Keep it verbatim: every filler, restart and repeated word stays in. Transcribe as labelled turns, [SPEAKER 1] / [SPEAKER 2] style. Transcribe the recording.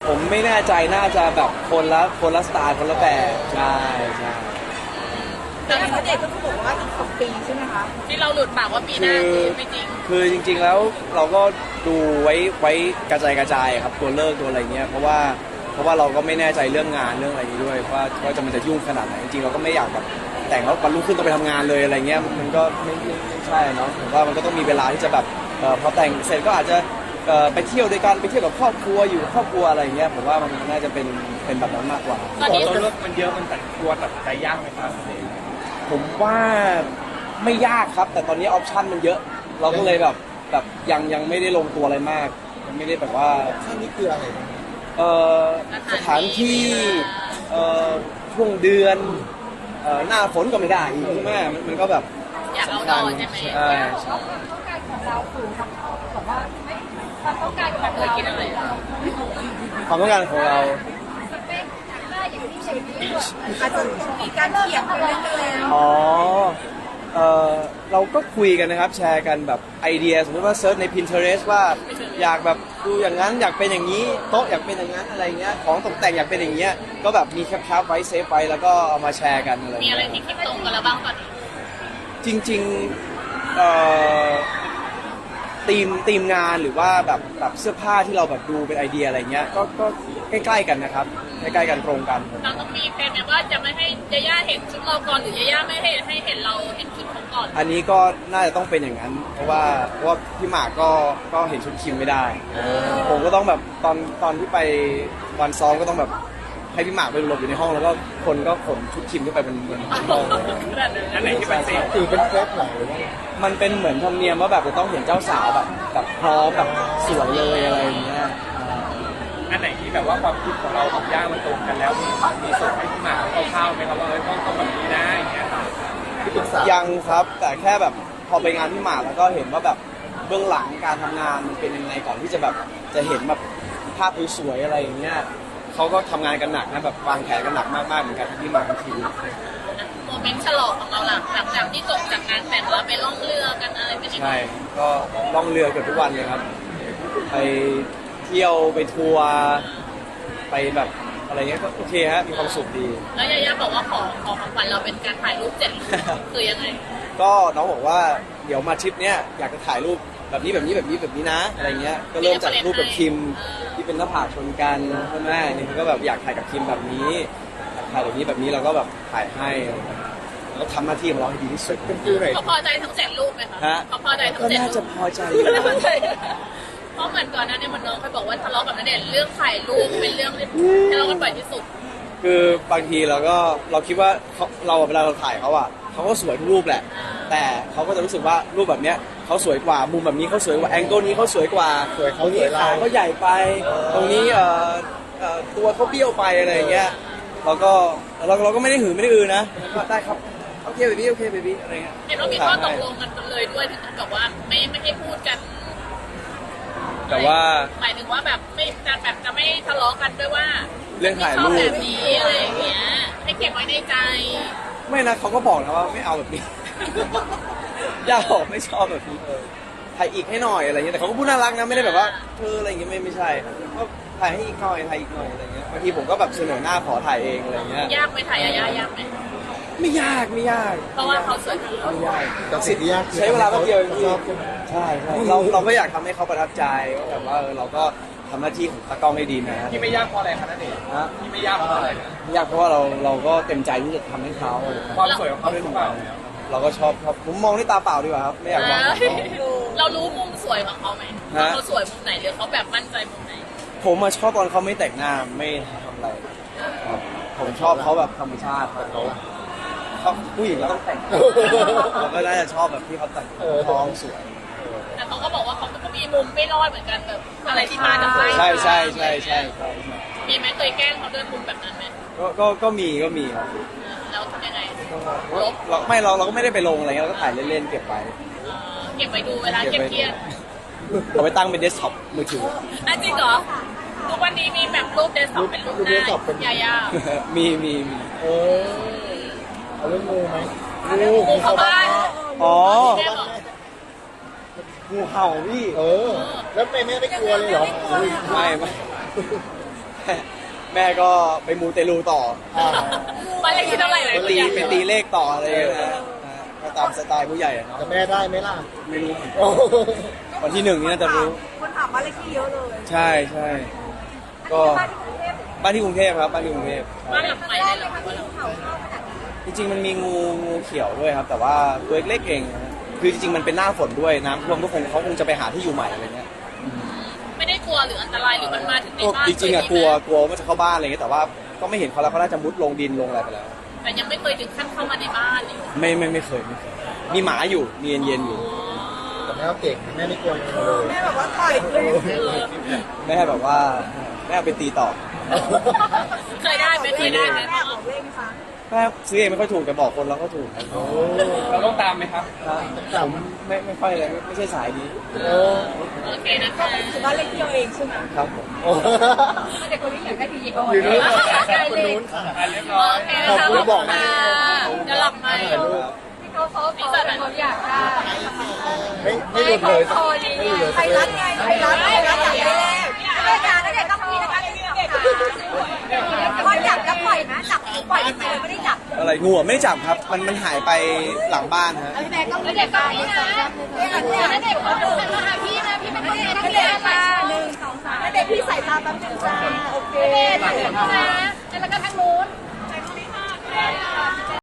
[SPEAKER 1] ผมไม่แน่ใจน่าจะแบบคนละคนละสไตล์คนละแบบใช่ใช่
[SPEAKER 2] แต่ณเดชน์ก็คือบอกว่าอีกสองปีใช่ไหมคะ
[SPEAKER 3] ที่เราหลุดปากว่าปีหน้าจริงไม่จริง
[SPEAKER 1] คือจริงๆแล้วเราก็ดูไว้ไว้กระจายกระจายครับตัวเลิกตัวอะไรเงี้ยเพราะว่าเพราะว่าเราก็ไม่แน่ใจเรื่องงานเรื่องอะไรนี้ด้วยว่าว่าจะมันจะยุ่งขนาดไหนจริงๆเราก็ไม่อยากแบบแต่งแล้ววันรุ่งขึ้นต้องไปทำงานเลยอะไรเงี้ยมันก็ไม่ไม่ใช่เนาะผมว่ามันก็ต้องมีเวลาที่จะแบบพอแต่งเสร็จก็อาจจะไปเที่ยวด้วยกันไปเที่ยวกับครอบครัวอยู่ครอบครัวอะไรเงี้ยผมว่ามันน่าจะเป็นเป็นแบบนั้นมากกว่า
[SPEAKER 3] ตอนนี้
[SPEAKER 4] ตัวเลือกมันเยอะมันตัดตัวตัดใจยากไหมครับ
[SPEAKER 1] ผมว่าไม่ยากครับแต่ตอนนี้ออปชันมันเยอะเราก็เลยแบบแบบยังยังไม่ได้ลงตัวอะไรมากยังไม่ได้แบบว่า
[SPEAKER 4] ท่านี้คืออะไร
[SPEAKER 1] เอ่อสถานที่เอ่อช่วงเดือนเอ่อหน้าฝนก็ไม่ได้อีกใช่ไหมมันมันก็แบบ
[SPEAKER 3] อยากเอาดอนใช่ไหม
[SPEAKER 1] ใช่ใช่
[SPEAKER 2] ต้องการของเราคือแบบว่าไม่ความต้องการของเรา
[SPEAKER 3] เคยกินอะไร
[SPEAKER 1] ความต้องการของเรา
[SPEAKER 2] สเปคได้อย่างที่เชฟนี่อาจจะมีการเถียงกันแล้ว
[SPEAKER 1] อ๋อเออเราก็คุยกันนะครับแชร์กันแบบไอเดียสมมติว่าเซิร์ชใน Pinterest ว่าอยากแบบดูอย่างนั้นอยากเป็นอย่างนี้โต๊ะอยากเป็นอย่างนั้นอะไรเงี้ยของตกแต่งอยากเป็นอย่างเงี้ยก็แบบมีแคปๆไว้เซฟไว้แล้วก็เอามาแชร์กันอะไร
[SPEAKER 3] มีอะไรที่คิดตรงกันแล้วบ้างตอนนี้
[SPEAKER 1] จริงๆเอ่อทีมทีมงานหรือว่าแบบแบบเสื้อผ้าที่เราแบบดูเป็นไอเดียอะไรเงี้ยก็ก็ใกล้ๆกันนะครับใกล้ๆกันตรงกัน
[SPEAKER 3] เราต้องมีแผนไหมว่าจะไม่ให้ยาย่าเห็นชุดเราก่อนหรือยาย่าไม่ให้ให้เห็นเราเห็นชุดของก่อน
[SPEAKER 1] อันนี้ก็น่าจะต้องเป็นอย่างนั้นเพราะว่าเพราะว่าพี่หมากก็ก็เห็นชุดคิมไม่ได้ผมก็ต้องแบบตอนตอนที่ไปวันซ้อมก็ต้องแบบให้พี่หมากไปหลบอยู่ในห้องแล้วก็คนก็ขนชุดคิมขึ้นไปบนบนห้อง
[SPEAKER 4] อันไหนที่เป็นเซฟถือเป็นเซฟไหน
[SPEAKER 1] มันเป็นเหมือนธรรมเนียมว่าแบบจะต้องเห็นเจ้าสาวแบบแบบพร้อมแบบสวยเลยอะไรอย่างเงี้ย
[SPEAKER 4] อันไหนที่แบบว่าความคิดของเรากับย่ามันตรงกันแล้วมีมีส่งให้พี่หมากคร่าวๆไหมครับว่าเออต้องต้องแบบนี้นะอย่างเงี้ยครับ
[SPEAKER 1] ยังครับแต่แค่แบบพอไปงานพี่หมากแล้วก็เห็นว่าแบบเบื้องหลังการทำงานมันเป็นยังไงก่อนที่จะแบบจะเห็นแบบภาพสวยๆอะไรอย่างเงี้ยเขาก็ทำงานกันหนักนะแบบวางแผนกันหนักมากๆเหมือนกันที่หมากกับทีม
[SPEAKER 3] โมเมนต์ฉลองของเราหลังหลังจากที่จบจากงานแต่งแล้วไปล่องเรือกันอะไรไป
[SPEAKER 1] ใช่ก็ล่องเรือเกือบทุกวันเลยครับไปเที่ยวไปทัวร์ไปแบบอะไรเงี้ยก็โอเคฮะมีความสุขดี
[SPEAKER 3] แล้วยาย่าบอกว่าขอขอของขวัญเราเป็นการถ่ายรูปเจ็ดรูปคือยังไง
[SPEAKER 1] ก็น้องบอกว่าเดี๋ยวมาทริปเนี้ยอยากจะถ่ายรูปแบบนี้แบบนี้แบบนี้แบบนี้นะอะไรเงี้ยก็เริ่มจากรูปกับคิมที่เป็นหน้าผากชนกันใช่ไหมนี่เขาก็แบบอยากถ่ายกับคิมแบบนี้ถ่ายแบบนี้แบบนี้เราก็แบบถ่ายให้แล้วทำหน้าที่ของเราให้ดีที่สุด
[SPEAKER 4] เป็นฟิลไหน
[SPEAKER 3] เขาพอใจทั้งเจ็ดรูปไหมคะเขาพอใจทั้งเจ็ดรูป
[SPEAKER 1] ก็น่าจะพอใจอยู่
[SPEAKER 3] เพราะเหมือนก่อนหน้านี้มันน้องเคยบอกว่าทะเลาะกับณเดชน์เรื่องถ่ายรูปเป็นเรื่องที่ทะเลาะกันบ่อยที่สุด
[SPEAKER 1] คือบางทีเราก็เราคิดว่าเขาเราเวลาเราถ่ายเขาอะเขาก็สวยทุกรูปแหละแต่เขาก็จะรู้สึกว่ารูปแบบเนี้ยเขาสวยกว่ามุมแบบนี้เขาสวยกว่าแองเกิลนี้เขาสวยกว่าตรงนี้ขาเขาใหญ่ไปตรงนี้เอ่อเอ่อตัวเขาเบี้ยวไปอะไรอย่างเงี้ยเราก็เราเราก็ไม่ได้หือไม่ได้อือนะก็ได้ครับโอเคเบบี้โอเคเบบี้อะไรเงี้ย
[SPEAKER 3] เห็นว่ามีข้อตกลงกันเลยด้วยถึงกับว่าไม่ไม่ให้พูดกัน
[SPEAKER 1] แต่ว่า
[SPEAKER 3] หมายถึงว่าแบบไม่จะแบบจะไม่ทะเลาะกันด้วยว่า
[SPEAKER 1] เรื่องถ่ายรูป
[SPEAKER 3] แบบนี้อะไรอย่างเงี้ยให้เก็บไว้ในใจ
[SPEAKER 1] ไม่นะเขาก็บอกนะว่าไม่เอาแบบนี้ย่าบอกไม่ชอบแบบนี้เลยถ่ายอีกให้หน่อยอะไรเงี้ยแต่เขาก็พูดน่ารักนะไม่ได้แบบว่าเธออะไรเงี้ยไม่ไม่ใช่ก็ถ่ายให้อีกหน่อยถ่ายอีกหน่อยอะไรเงี้ยบางทีผมก็แบบเสนอหน้าขอถ่ายเองอะไรเงี้ย
[SPEAKER 3] ยากไหมถ่ายยากยากไหม
[SPEAKER 1] ไม่ยากไม่ยาก
[SPEAKER 3] เพราะว่าเขาสวย
[SPEAKER 1] ไม่ยาก
[SPEAKER 4] แต่สิ่งที่ยาก
[SPEAKER 1] ใช้เวลาแป๊บเดียวเองใช่ใช่เราเราก็อยากทำให้เขาประทับใจว่าแบบว่าเราก็ทำหน้าที่ของตากล้องให้ดีนะ
[SPEAKER 4] ที่ไม่ยากเพราะอะไรคะนั่นเองที่ไม่ยากเพราะอะไร
[SPEAKER 1] ไม่ยากเพราะว่าเราเราก็เต็มใจที่จะทำให้เขา
[SPEAKER 4] ความสวยของเขาด้วยหรือเปล่า
[SPEAKER 1] เราก็ชอบครับผมมองด้วยตาเปล่าดีกว่าครับไม่อยากมอง
[SPEAKER 3] เรารู้มุมสวยของเขาไหมเขาสวยมุมไหนหรือเขาแบบมั่นใจมุมไหน
[SPEAKER 1] ผมมาชอบตอนเขาไม่แต่งหน้าไม่ทำอะไรผมชอบเขาแบบธรรมชาติเขาเขาผู้หญิงก็ต้องแต่งเราก็น่าจะชอบแบบที่เขาแต่งท้องสวย
[SPEAKER 3] แต่เขาก็บอกว่าเขาก็มีมุมไม่รอดเหมือนกันแบบอะไรที่มาจาก
[SPEAKER 1] ใช่ใช่ใช่ใช่
[SPEAKER 3] มีไหมเคยแกล้งเขาด้วยมุมแบบนั้นไหม
[SPEAKER 1] ก็ก็ก็มีก็มีครับ
[SPEAKER 3] แล้วทำยังไง
[SPEAKER 1] เราไม่เราเราก็ไม่ได้ไปลงอะไรเงี้ยเราก็ถ่ายเล่นๆเก็บไว้
[SPEAKER 3] เก็บไว้ดูเวลาเครียด
[SPEAKER 1] เอาไปตั้งเป็นเดสก์ท็อปมือถือ
[SPEAKER 3] อ่ะจริงเหรอทุกวันนี้มีแบบรูปเดสก์ท็อปเป็นรูปหน้ายาย่า
[SPEAKER 1] มีมีมี
[SPEAKER 4] เออเอาเรื่องงูไหม
[SPEAKER 3] งูเข้าบ้าน
[SPEAKER 1] อ๋องูเห่าพี่
[SPEAKER 4] เออแล้วไม่ไม่ไม่กลัวเลยเหรอ
[SPEAKER 1] ไม่ไม่แม่ก็ไปมูเตลูต่อ
[SPEAKER 3] บ้านเลขที่เท่าไหร่เลย
[SPEAKER 1] ไปตีไปตีเลขต่ออะไรอย่างเงี้ยนะฮะก็ตามสไตล์ผู้ใหญ่อะเนาะ
[SPEAKER 5] แต่แม่ได้ไหมล่ะ
[SPEAKER 1] ไม่รู้เหมือนกัน
[SPEAKER 5] โอ้
[SPEAKER 1] วันที่หนึ่งนี่น่าจะรู้
[SPEAKER 2] คนถามบ้านเลขที่เยอะเลย
[SPEAKER 1] ใช่ใช่ก็
[SPEAKER 2] บ้านที่กรุงเทพ
[SPEAKER 1] บ้านที่กรุงเทพครับบ้านที่กรุงเทพ
[SPEAKER 3] บ้านหลังใหม่
[SPEAKER 2] แร
[SPEAKER 3] เล
[SPEAKER 2] ก
[SPEAKER 3] ย
[SPEAKER 2] เล
[SPEAKER 3] เหร
[SPEAKER 2] ย
[SPEAKER 3] อ
[SPEAKER 2] ค่ะที่เขาเข้าขนาดนี้
[SPEAKER 1] จริงๆมันมีงูงูเขียวด้วยครับ แต่ว่าตัวเล็กๆเองนะฮะคือจริงๆมันเป็นหน้าฝนด้วยน้ำท่วมก็คงเขาคงจะไปหาที่อยู่ใหม่อะไรเงี้ย
[SPEAKER 3] ไม่ได้กลัวหรืออันตรายหรือมันมาถึงใน
[SPEAKER 1] ก็
[SPEAKER 3] บ้าน
[SPEAKER 1] จริงๆอะกลัวกลัวว่าจะเข้าบ้านอะไรเงี้ยแต่ว่าก็ไม่เห็นเขาแล้วเขาน่าจะมุดลงดินลงอะไรไปแล้ว
[SPEAKER 3] แต่ยังไม่เคยถึงขั้นเข้ามาในบ้านเลย
[SPEAKER 1] ไม่ไม่ไม่เคยไม่เคยมีหมาอยู่มีเย็นๆอยู่
[SPEAKER 5] แต่แม่ก็เก่งแม่ไม่กลัวงูเลย
[SPEAKER 2] แม่แบบว่าต่อยเลย
[SPEAKER 1] แม่แบบว่าแม่เอาไปตีต่อ
[SPEAKER 3] เคยได้ไหมเคยได้ไหม
[SPEAKER 2] แม่บอกเลขฟัง
[SPEAKER 1] แม่ซื้อเองไม่ค่อยถูกแต่บอกคนเราก็ถูกครับ
[SPEAKER 5] โอ้
[SPEAKER 4] เราต้องตามไหมครับ
[SPEAKER 1] ผมไม่ไม่ค่อยเลยไม่ไม่ใช่สายนี้
[SPEAKER 5] โอ้
[SPEAKER 3] โอเคนะคะ
[SPEAKER 2] คือบ้านเลขที่เราเองใช่ไหม
[SPEAKER 1] ครับผม
[SPEAKER 5] โอ้
[SPEAKER 2] เด็กคนนี้อยากได้ทีเดียว
[SPEAKER 5] อยู่นู้นคนนู้นค่ะ
[SPEAKER 4] อ่ะเรียบร้อย
[SPEAKER 3] โอเคนะคะขอบคุณค่ะเดี๋ยวหลับมา
[SPEAKER 2] ที่เขาเขาเขาเขาอยากได้
[SPEAKER 5] ไม่ไม่หลุดเลย
[SPEAKER 2] โอ้ดีไทยรัฐไงไทยรัฐไทยรัฐอยากได้เลขรายการนั่นเด็กต้องมีนะคะที่นี่ค่ะพอจับแล้วปล่อยนะจับปล่อยไปเลยไม่ได้จับ
[SPEAKER 1] อะไรงูอะไม่ได้จับครับ มันมันหายไปหลังบ้านฮะ
[SPEAKER 2] พี่แม่ก็เด็กก็นี่นะเด็กเด็กเขาดูเป็นมาหาพี่นะพี่เป็นเด็กเด็กค่ะหนึ่งสองสามเด็กพี่ใส่ตาแป๊บนึงจ้าโอเคถ่ายรูปนะแล้วก็ทางนู้น